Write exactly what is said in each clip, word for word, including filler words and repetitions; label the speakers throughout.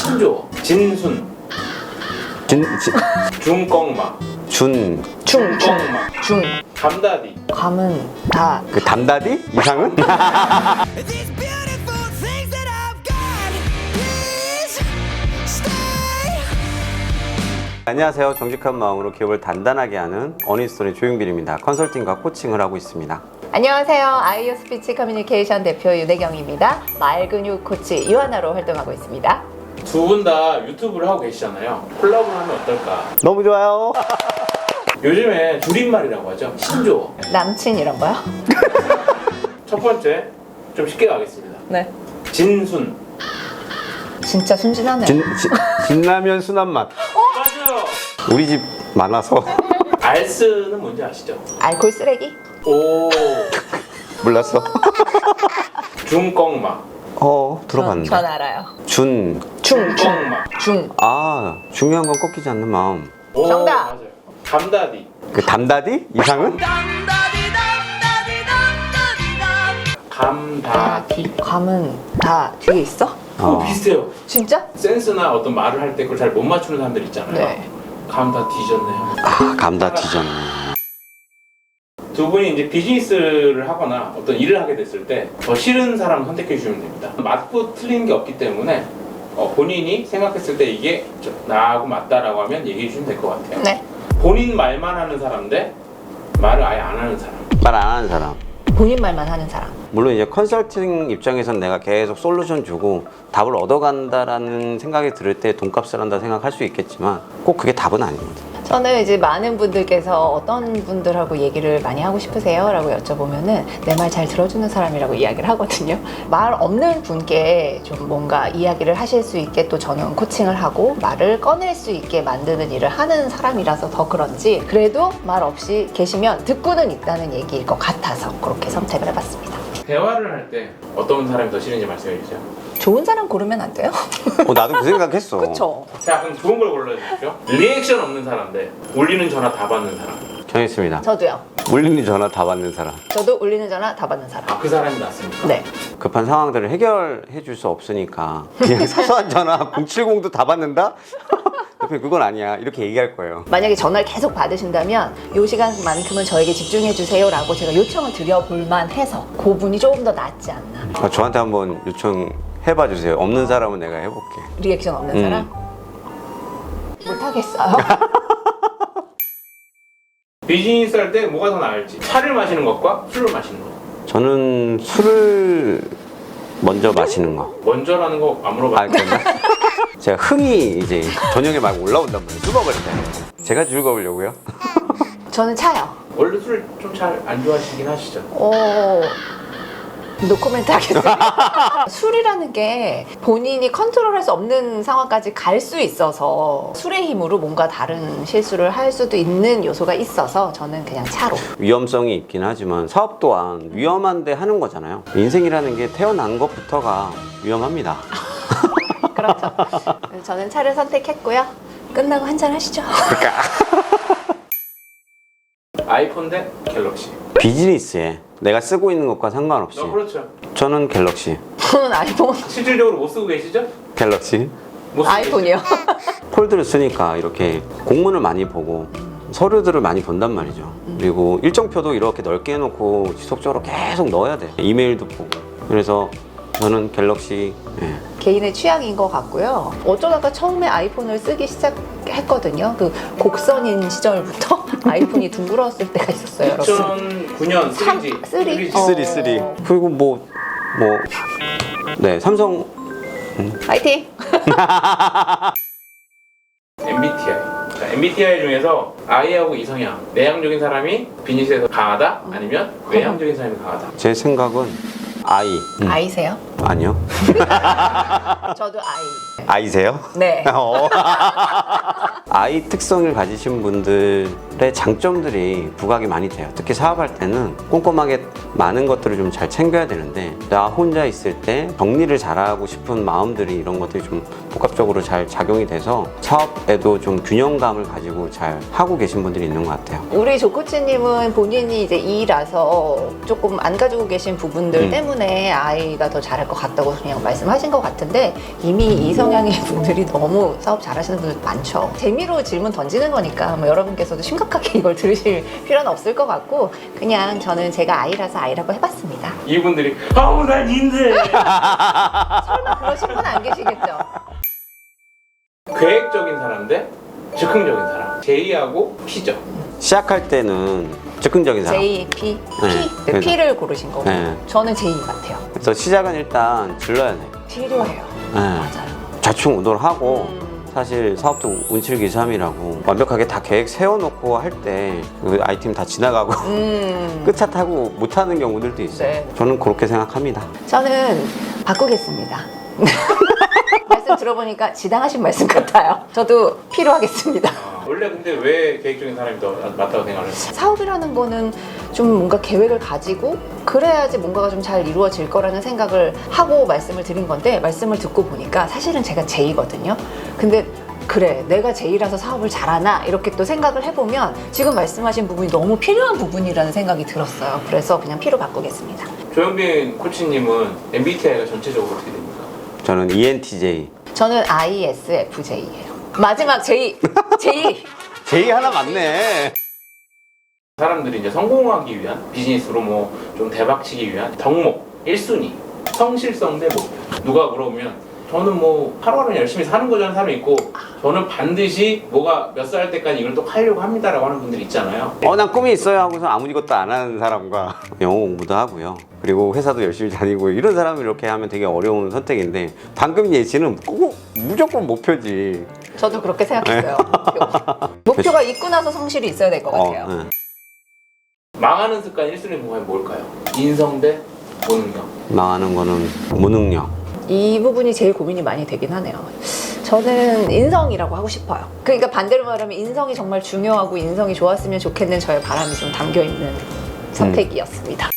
Speaker 1: 신조, 진순,
Speaker 2: 진, 진,
Speaker 1: 중껑마,
Speaker 2: 준,
Speaker 3: 중, 중,
Speaker 1: 껑마,
Speaker 3: 중.
Speaker 1: 감다디.
Speaker 3: 감은 다.
Speaker 2: 그 담다디? 이상은?
Speaker 4: These beautiful things that I've got, please stay.
Speaker 2: 안녕하세요. 정직한 마음으로 기업을 단단하게 하는 어니스토리 조용빈입니다. 컨설팅과 코칭을 하고 있습니다.
Speaker 3: 안녕하세요. 아이오 스피치 커뮤니케이션 대표 윤혜경입니다. 말근육 코치 유하나로 활동하고 있습니다.
Speaker 1: 두 분 다 유튜브를 하고 계시잖아요. 콜라보를 하면 어떨까?
Speaker 2: 너무 좋아요.
Speaker 1: 요즘에 줄임말이라고 하죠. 신조.
Speaker 3: 남친 이런 거요?
Speaker 1: 첫 번째, 좀 쉽게 가겠습니다.
Speaker 3: 네.
Speaker 1: 진순.
Speaker 3: 진짜 순진하네.
Speaker 2: 진, 진, 진라면 순한 맛.
Speaker 1: 맞아요.
Speaker 2: 우리 집 많아서.
Speaker 1: 알스는 뭔지 아시죠?
Speaker 3: 알콜 쓰레기?
Speaker 1: 오.
Speaker 2: 몰랐어.
Speaker 1: 중껑마.
Speaker 2: 어, 들어봤는데.
Speaker 3: 전, 전 알아요.
Speaker 2: 준.
Speaker 3: 중, 중,
Speaker 1: 중껑마.
Speaker 3: 중.
Speaker 2: 아, 중요한 건 꺾이지 않는 마음.
Speaker 1: 오,
Speaker 3: 정답.
Speaker 1: 맞아요. 감다디.
Speaker 2: 그 담다디? 이상은?
Speaker 1: 감다디.
Speaker 3: 감은 다 뒤에 있어?
Speaker 1: 어, 비슷해요.
Speaker 3: 진짜?
Speaker 1: 센스나 어떤 말을 할 때 그걸 잘 못 맞추는 사람들 있잖아요.
Speaker 3: 네.
Speaker 1: 감 다 뒤졌네요.
Speaker 2: 아, 감다 뒤졌네.
Speaker 1: 두 분이 이제 비즈니스를 하거나 어떤 일을 하게 됐을 때 더 싫은 사람을 선택해 주시면 됩니다. 맞고 틀린 게 없기 때문에 어, 본인이 생각했을 때 이게 저- 나하고 맞다라고 하면 얘기해 주시면 될 것 같아요.
Speaker 3: 네.
Speaker 1: 본인 말만 하는 사람 대 말을 아예 안 하는 사람.
Speaker 2: 말 안 하는 사람.
Speaker 3: 본인 말만 하는 사람.
Speaker 2: 물론 이제 컨설팅 입장에선 내가 계속 솔루션 주고 답을 얻어간다라는 생각이 들을 때 돈값을 한다 생각할 수 있겠지만 꼭 그게 답은 아닙니다.
Speaker 3: 저는 이제 많은 분들께서 어떤 분들하고 얘기를 많이 하고 싶으세요? 라고 여쭤보면은 내 말 잘 들어주는 사람이라고 이야기를 하거든요. 말 없는 분께 좀 뭔가 이야기를 하실 수 있게 또 저는 코칭을 하고 말을 꺼낼 수 있게 만드는 일을 하는 사람이라서 더 그런지 그래도 말 없이 계시면 듣고는 있다는 얘기일 것 같아서 그렇게 선택을 해봤습니다.
Speaker 1: 대화를 할 때 어떤 사람이 더 싫은지 말씀해 주세요.
Speaker 3: 좋은 사람 고르면 안 돼요?
Speaker 2: 어, 나도 그 생각했어.
Speaker 3: 그쵸?
Speaker 1: 자, 그럼 좋은 걸 골라주십시오. 리액션 없는 사람 대 울리는 전화 다 받는 사람.
Speaker 2: 정했습니다.
Speaker 3: 저도요.
Speaker 2: 울리는 전화 다 받는 사람.
Speaker 3: 저도 울리는 전화 다 받는 사람.
Speaker 1: 아, 그 사람이 낫습니까?
Speaker 3: 네.
Speaker 2: 급한 상황들을 해결해 줄 수 없으니까 그냥 사소한 전화 공칠공도 다 받는다? 대표님 그건 아니야. 이렇게 얘기할 거예요.
Speaker 3: 만약에 전화를 계속 받으신다면 이 시간만큼은 저에게 집중해 주세요 라고 제가 요청을 드려볼 만해서 그분이 조금 더 낫지 않나.
Speaker 2: 아, 저한테 한번 요청해봐 주세요. 없는 사람은 내가 해볼게.
Speaker 3: 리액션 없는
Speaker 2: 음.
Speaker 3: 사람? 못하겠어요.
Speaker 1: 비즈니스 할 때 뭐가 더 나을지. 차를 마시는 것과 술을 마시는 것.
Speaker 2: 저는 술을 먼저 마시는 거.
Speaker 1: 먼저라는 거 안
Speaker 2: 아,
Speaker 1: 물어봤는데.
Speaker 2: 그런가? 제가 흥이 이제 저녁에 막 올라온단 말이에요. 술 먹을 때. 제가 즐거우려고요.
Speaker 3: 저는 차요.
Speaker 1: 원래 술 좀 잘 안 좋아하시긴 하시죠?
Speaker 3: 오, 노코멘트 하겠습니다. 술이라는 게 본인이 컨트롤할 수 없는 상황까지 갈 수 있어서 술의 힘으로 뭔가 다른 실수를 할 수도 있는 요소가 있어서 저는 그냥 차로.
Speaker 2: 위험성이 있긴 하지만 사업 또한 위험한데 하는 거잖아요. 인생이라는 게 태어난 것부터가 위험합니다.
Speaker 3: 그렇죠. 그래서 저는 차를 선택했고요. 끝나고 한잔 하시죠.
Speaker 1: 아이폰 대 갤럭시.
Speaker 2: 비즈니스에 내가 쓰고 있는 것과 상관없이
Speaker 1: 어, 그렇죠.
Speaker 2: 저는 갤럭시.
Speaker 3: 저는 아이폰,
Speaker 1: 실질적으로 못 쓰고 계시죠?
Speaker 2: 갤럭시.
Speaker 1: 못 쓰고
Speaker 3: 아이폰이요.
Speaker 2: 폴드를 쓰니까 이렇게 공문을 많이 보고 서류들을 많이 본단 말이죠. 그리고 일정표도 이렇게 넓게 해놓고 지속적으로 계속 넣어야 돼. 이메일도 보고. 그래서 저는 갤럭시. 예.
Speaker 3: 개인의 취향인 것 같고요. 어쩌다가 처음에 아이폰을 쓰기 시작했거든요. 그 곡선인 시절부터 아이폰이 둥그러웠을 때가 있었어요, 여러분.
Speaker 1: 이천구 년 쓰리지.
Speaker 3: 쓰리?
Speaker 1: 쓰리지.
Speaker 3: 어.
Speaker 2: 쓰리 쓰리. 그리고 뭐 뭐 네, 삼성.
Speaker 3: 파이팅!
Speaker 1: 엠비티아이. 자, 엠비티아이 중에서 I하고 이성향. 내향적인 사람이 비즈니스에서 강하다? 아니면 외향적인 사람이 강하다?
Speaker 2: 제 생각은 아이. 음.
Speaker 3: 아이세요?
Speaker 2: 아니요.
Speaker 3: 저도 아이.
Speaker 2: 아이세요?
Speaker 3: 네.
Speaker 2: 어. 아이 특성을 가지신 분들의 장점들이 부각이 많이 돼요. 특히 사업할 때는 꼼꼼하게 많은 것들을 좀 잘 챙겨야 되는데 나 혼자 있을 때 정리를 잘하고 싶은 마음들이 이런 것들이 좀 복합적으로 잘 작용이 돼서 사업에도 좀 균형감을 가지고 잘 하고 계신 분들이 있는 것 같아요.
Speaker 3: 우리 조코치님은 본인이 이제 이라서 조금 안 가지고 계신 부분들
Speaker 2: 음.
Speaker 3: 때문에 아이가 더 잘할 것 같다고 그냥 말씀하신 것 같은데 이미 이 성향의 분들이 너무 사업 잘하시는 분들 많죠. 재미로 질문 던지는 거니까 뭐 여러분께서도 심각하게 이걸 들으실 필요는 없을 것 같고 그냥 저는 제가 아이라서 아이라고 해봤습니다.
Speaker 1: 이분들이 아우 난 인데
Speaker 3: 설마 그러신 분 안 계시겠죠?
Speaker 1: 계획적인 사람 대 즉흥적인 사람 제이하고 P죠.
Speaker 2: 시작할 때는 즉흥적인 사람.
Speaker 3: J, P, P.
Speaker 2: 네,
Speaker 3: 네,
Speaker 2: 그래서-
Speaker 3: P를 고르신 거고
Speaker 2: 네.
Speaker 3: 저는 J 같아요.
Speaker 2: 그래서 시작은 일단 질러야 돼요.
Speaker 3: 필요해요.
Speaker 2: 네.
Speaker 3: 맞아요.
Speaker 2: 좌충우돌하고
Speaker 3: 음.
Speaker 2: 사실 사업도 운칠기삼이라고 완벽하게 다 계획 세워놓고 할 때 그 아이템 다 지나가고
Speaker 3: 음.
Speaker 2: 끝차 타고 못하는 경우들도 있어요.
Speaker 3: 네.
Speaker 2: 저는 그렇게 생각합니다.
Speaker 3: 저는 바꾸겠습니다. 말씀 들어보니까 지당하신 말씀 같아요. 저도 필요하겠습니다.
Speaker 1: 아, 원래 근데 왜 계획적인 사람이 더 맞다고 생각을 했어요?
Speaker 3: 사업이라는 거는 좀 뭔가 계획을 가지고 그래야지 뭔가가 좀 잘 이루어질 거라는 생각을 하고 말씀을 드린 건데 말씀을 듣고 보니까 사실은 제가 제이거든요. 근데 그래 내가 제이라서 사업을 잘하나 이렇게 또 생각을 해보면 지금 말씀하신 부분이 너무 필요한 부분이라는 생각이 들었어요. 그래서 그냥 P로 바꾸겠습니다.
Speaker 1: 조현빈 코치님은 엠비티아이가 전체적으로 어떻게 됩니까?
Speaker 2: 저는 이엔티제이.
Speaker 3: 저는 아이에스에프제이예요. 마지막 J, J.
Speaker 2: 제이 하나 맞네.
Speaker 1: 사람들이 이제 성공하기 위한 비즈니스로 뭐 좀 대박치기 위한 덕목 일 순위 성실성 대 목표. 누가 물어보면 저는 뭐 하루하루 열심히 사는 거라는 사람이 있고 저는 반드시 뭐가 몇 살 때까지 이걸 또 하려고 합니다라고 하는 분들이 있잖아요.
Speaker 2: 어, 난 꿈이 있어요 하고서 아무 것도 안 하는 사람과 영어 공부도 하고요. 그리고 회사도 열심히 다니고 이런 사람이 이렇게 하면 되게 어려운 선택인데 방금 예시는 꼭 무조건 목표지.
Speaker 3: 저도 그렇게 생각했어요. 목표. 목표가 있고 나서 성실이 있어야 될 것 같아요.
Speaker 2: 네.
Speaker 1: 망하는 습관 일 순위 보면 뭘까요? 인성 대 본능력.
Speaker 2: 망하는 거는 무능력.
Speaker 3: 이 부분이 제일 고민이 많이 되긴 하네요. 저는 인성이라고 하고 싶어요. 그러니까 반대로 말하면 인성이 정말 중요하고 인성이 좋았으면 좋겠는 저의 바람이 좀 담겨있는 선택이었습니다.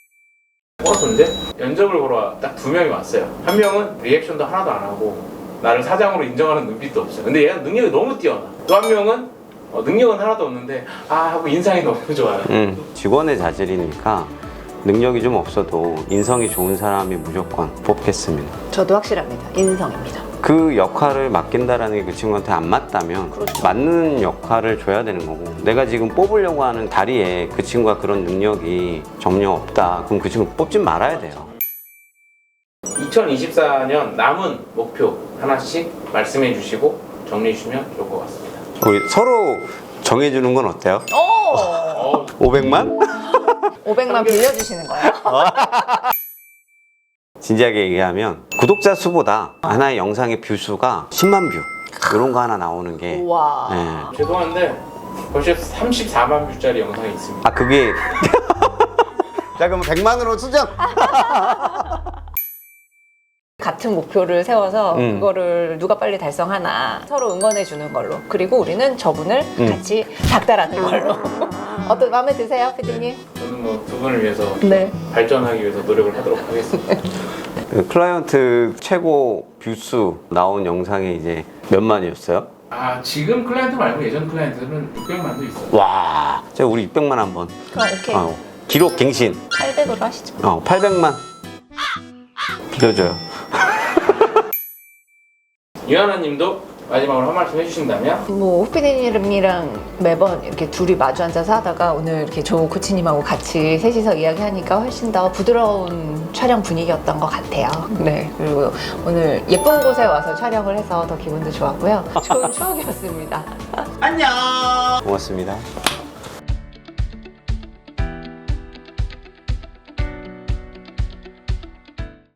Speaker 1: 버스인데 면접을 보러 딱 두 명이 왔어요. 한 명은 리액션도 하나도 안 하고 나를 사장으로 인정하는 눈빛도 없어요. 근데 얘는 능력이 너무 뛰어나. 또 한 명은 어, 능력은 하나도 없는데 아 하고 인상이 너무 좋아요.
Speaker 2: 음, 직원의 자질이니까 능력이 좀 없어도 인성이 좋은 사람이 무조건 뽑겠습니다.
Speaker 3: 저도 확실합니다. 인성입니다.
Speaker 2: 그 역할을 맡긴다라는 게 그 친구한테 안 맞다면
Speaker 3: 그렇죠.
Speaker 2: 맞는 역할을 줘야 되는 거고 내가 지금 뽑으려고 하는 다리에 그 친구가 그런 능력이 전혀 없다. 그럼 그 친구 뽑지 말아야 돼요.
Speaker 1: 이천이십사 년 남은 목표 하나씩 말씀해 주시고 정리해 주시면 좋을 것 같습니다.
Speaker 2: 우리 서로 정해주는 건 어때요?
Speaker 3: 오!
Speaker 1: 어,
Speaker 2: 오백만?
Speaker 3: 오백만 빌려주시는 거예요?
Speaker 2: 진지하게 얘기하면 구독자 수보다 하나의 영상의 뷰 수가 십만 뷰 이런 거 하나 나오는 게
Speaker 3: 우와.
Speaker 2: 예.
Speaker 1: 죄송한데 벌써 삼십사만 뷰짜리 영상이 있습니다.
Speaker 2: 아 그게 자 그럼 백만으로 수정.
Speaker 3: 같은 목표를 세워서
Speaker 2: 음.
Speaker 3: 그거를 누가 빨리 달성하나 서로 응원해 주는 걸로 그리고 우리는 저분을
Speaker 2: 음.
Speaker 3: 같이 닥달하는 걸로 어떤 마음에 드세요 피디님?
Speaker 1: 저는 뭐 두 분을 위해서
Speaker 3: 네.
Speaker 1: 발전하기 위해서 노력을 하도록 하겠습니다.
Speaker 2: 그 클라이언트 최고 뷰수 나온 영상이 이제 몇만이었어요?
Speaker 1: 아 지금 클라이언트 말고 예전 클라이언트는 육백만도 있어요.
Speaker 2: 와, 제가 우리 육백만 한번.
Speaker 3: 그럼 오케이
Speaker 2: 어, 기록 갱신.
Speaker 3: 팔백으로 하시죠.
Speaker 2: 어, 팔백만. 빌려줘요.
Speaker 1: 유하나님도 마지막으로 한 말씀 해주신다면?
Speaker 3: 뭐 후피디님이랑 매번 이렇게 둘이 마주 앉아서 하다가 오늘 이렇게 조 코치님하고 같이 셋이서 이야기하니까 훨씬 더 부드러운 촬영 분위기였던 것 같아요. 네 그리고 오늘 예쁜 곳에 와서 촬영을 해서 더 기분도 좋았고요. 좋은 추억이었습니다.
Speaker 2: 고맙습니다.